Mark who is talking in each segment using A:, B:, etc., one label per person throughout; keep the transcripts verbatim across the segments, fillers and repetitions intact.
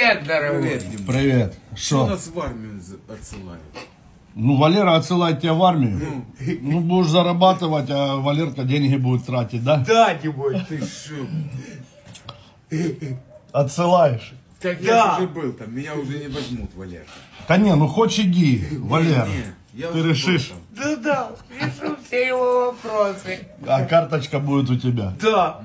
A: Привет, дорогой.
B: Привет, Дима.
C: Привет.
B: Что
C: Что?
B: нас в армию за- отсылают?
C: Ну, Валера отсылает тебя в армию. Ну, будешь зарабатывать, а Валерка деньги будет тратить, да?
A: Да, Димой.
B: Ты шо?
C: Отсылаешь.
B: Так
A: Да.
B: я же уже был там, меня уже не возьмут, Валер.
C: Да не, ну хочешь иди, Валера.
B: Не, я
C: Ты
B: уже был
C: решишь.
B: там.
A: Да, да, решу все его вопросы.
C: А карточка будет у тебя.
A: Да.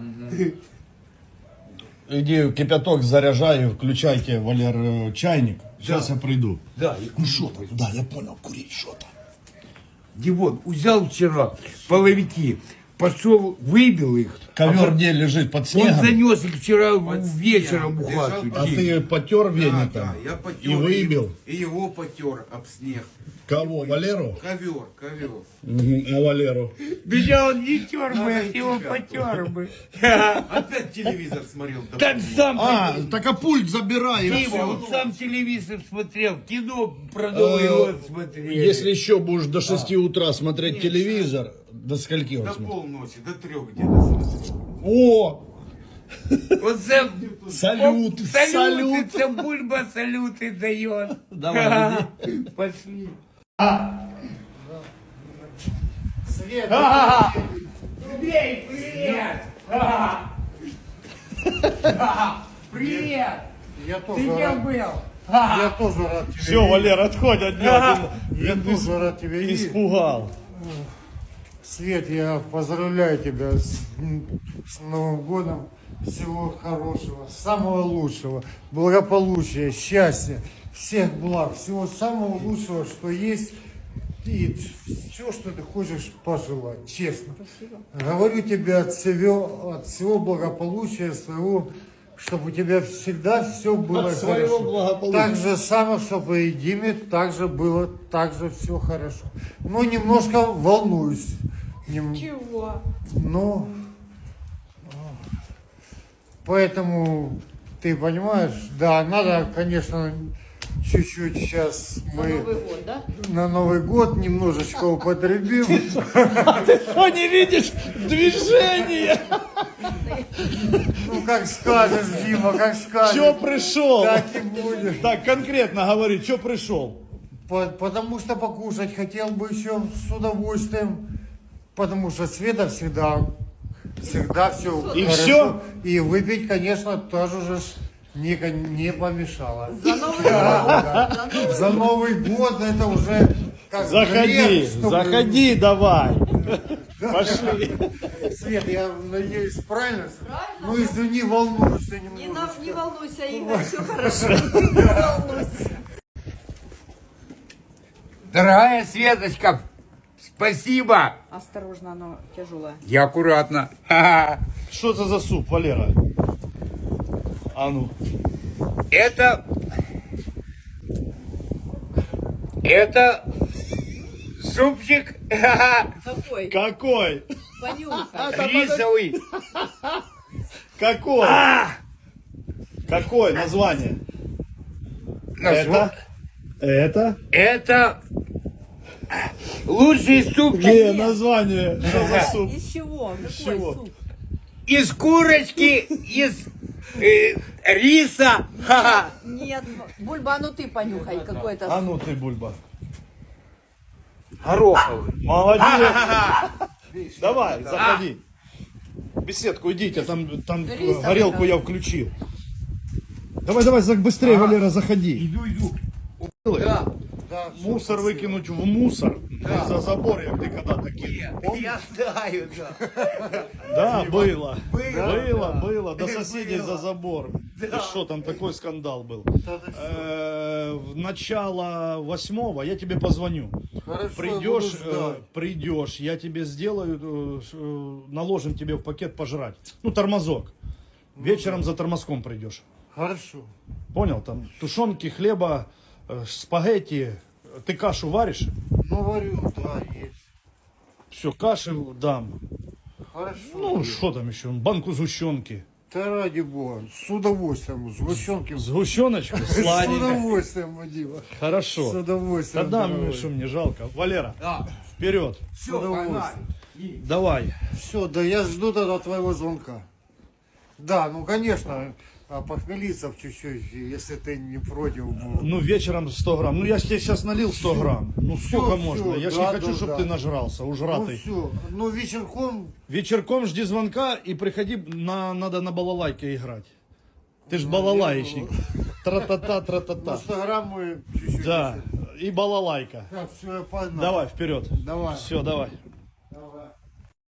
C: Иди кипяток заряжай, включайте, Валер, э, чайник. Сейчас
A: Да.
C: я приду.
A: Да,
C: Ну что там? Да, я понял, курить что там.
A: Димон, взял вчера половики, пошел, выбил их.
C: Ковер где лежит, под
A: Он
C: снегом?
A: занес их вчера
B: Под
A: вечером в
B: снегом.
A: хату.
B: Лежал
C: А ты потер
B: Да,
C: веником?
B: да, я потер.
C: И выбил?
B: И его потер об снег.
C: Кого, Валеру?
B: Ковер, ковер.
C: Мгм, а Валеру?
A: Меня он не тер бы,
B: Надо
A: я его
B: тебя.
A: потер бы.
B: Опять телевизор смотрел. да
A: Так
B: помню.
A: сам,
C: А, так а пульт забирай. и
A: Дима,
C: всё.
A: он сам телевизор смотрел, кино про Новый год смотрели.
C: Если еще будешь до шести утра смотреть телевизор, до скольки он
B: До
C: смотрит?
B: полночи, до трех где-то смотрел.
C: О,
A: Он сам...
C: салют,
A: он-
C: салют.
A: Салюты, там бульба салюты дает.
C: Давай,
A: Пошли.
D: Свет,
A: Андрей, привет! Привет!
D: я
A: Ты
D: тоже
A: где
D: рад,
A: был?
D: я тоже рад тебя
C: Все, Валер, отходь от него.
D: видеть. Я тоже рад тебя видеть.
C: Испугал.
D: Свет, я поздравляю тебя с, с Новым годом. Всего хорошего, самого лучшего, благополучия, счастья, всех благ, всего самого лучшего, что есть. И все, что ты хочешь пожелать, честно. Говорю тебе от всего, от всего благополучия своего, чтобы у тебя всегда все было
C: От своего
D: хорошо.
C: благополучия.
D: Так же самое, чтобы и Диме также было, также все хорошо. Ну, немножко волнуюсь. Нем-
E: Чего?
D: Ну, поэтому, ты понимаешь, да, надо, конечно, чуть-чуть сейчас мы
E: Новый год, да?
D: на Новый год немножечко употребим.
C: Что не видишь движение?
D: Ну, как скажешь, Дима, как
C: Че
D: скажешь.
C: пришел?
D: Так и будет.
C: Так, конкретно говори, что пришел?
D: По- Потому что покушать хотел бы еще с удовольствием. Потому что Света всегда, всегда все
C: И всё?
D: И выпить, конечно, тоже же ж не, не помешало.
E: За Новый год. За Новый
D: За Новый год это уже как
C: Заходи,
D: грех, чтобы-
C: заходи давай. Пошли.
D: Свет, я надеюсь, правильно?
E: Правильно.
D: Ну, извини, волнуюсь я
E: Не, на-
D: немножечко.
E: не волнуйся, Игорь, все хорошо. Не волнуйся.
A: Дорогая Светочка, спасибо.
E: Осторожно, оно тяжелое.
A: Я аккуратно. Ха-ха.
C: Что это за суп, Валера? А ну.
A: Это... Это... Супчик ха-ха,
E: Какой?
C: Какой?
E: Понюхай.
A: рисовый.
C: Какой? Какое название?
A: Назва-
C: Это?
A: Это... Лучший супчик
C: Не, название. Что за суп?
E: Из чего? Какой
C: чего?
E: суп?
A: из курочки, из э, риса. Ха-ха.
E: Нет, Бульба, а ну ты понюхай, какой это
C: А
E: суп.
C: ну ты, Бульба.
A: Гороховый.
C: Молодец. Давай, заходи. В беседку идите, там, там
E: Рисовый,
C: горелку
E: да.
C: я включил. Давай, давай, за- быстрее, Валера, заходи.
A: Иду, иду.
D: Да, да, всё,
C: Мусор
D: спасибо.
C: выкинуть в мусор. За забор, я ты когда-то кинул.
A: Я знаю, да.
C: Да, было.
A: Было,
C: Было, было. До соседей за забор. И что там, такой скандал был.
D: Да, да, всё.
C: Э, В начало восьмого я тебе позвоню.
D: Хорошо, я
C: Придешь,
D: буду ждать.
C: э, придешь, я тебе сделаю, э, ш- э, наложим тебе в пакет пожрать. Ну, тормозок. Вечером за тормозком придешь.
D: Хорошо.
C: Понял? Там тушенки, хлеба, э, спагетти. Ты кашу варишь?
D: Ну, варю, да, есть.
C: Все, каши дам.
D: Хорошо.
C: Ну, что там еще? Банку сгущенки.
D: Да ради бога, с удовольствием, сгущенки.
C: Сгущеночку?
D: С
C: Сладенько.
D: удовольствием, Вадима. С
C: Хорошо.
D: удовольствием.
C: Тогда
D: дорогой.
C: мне что мне жалко. Валера,
A: Да.
C: вперед.
A: Все,
D: удовольствием.
A: погнали.
C: Давай.
D: Все, да я жду тогда твоего звонка. Да, ну конечно, а похмелиться чуть-чуть, если ты не против. был.
C: Ну, вечером сто грамм. Ну, я ж тебе сейчас налил сто грамм. Ну, сколько
D: всё,
C: можно? Я ж
D: да,
C: не хочу,
D: да,
C: чтобы
D: да.
C: ты нажрался,
D: Ну
C: ужратый.
D: все, ну вечерком,
C: Вечерком жди звонка и приходи, на, надо на балалайке играть. Ты ж балалаечник. Тра-та-та,
D: на
C: тра-та-та.
D: сто грамм мы чуть-чуть.
C: Да, и балалайка.
D: Так, все, я погнал.
C: Давай, вперед.
D: Давай.
C: Все, давай.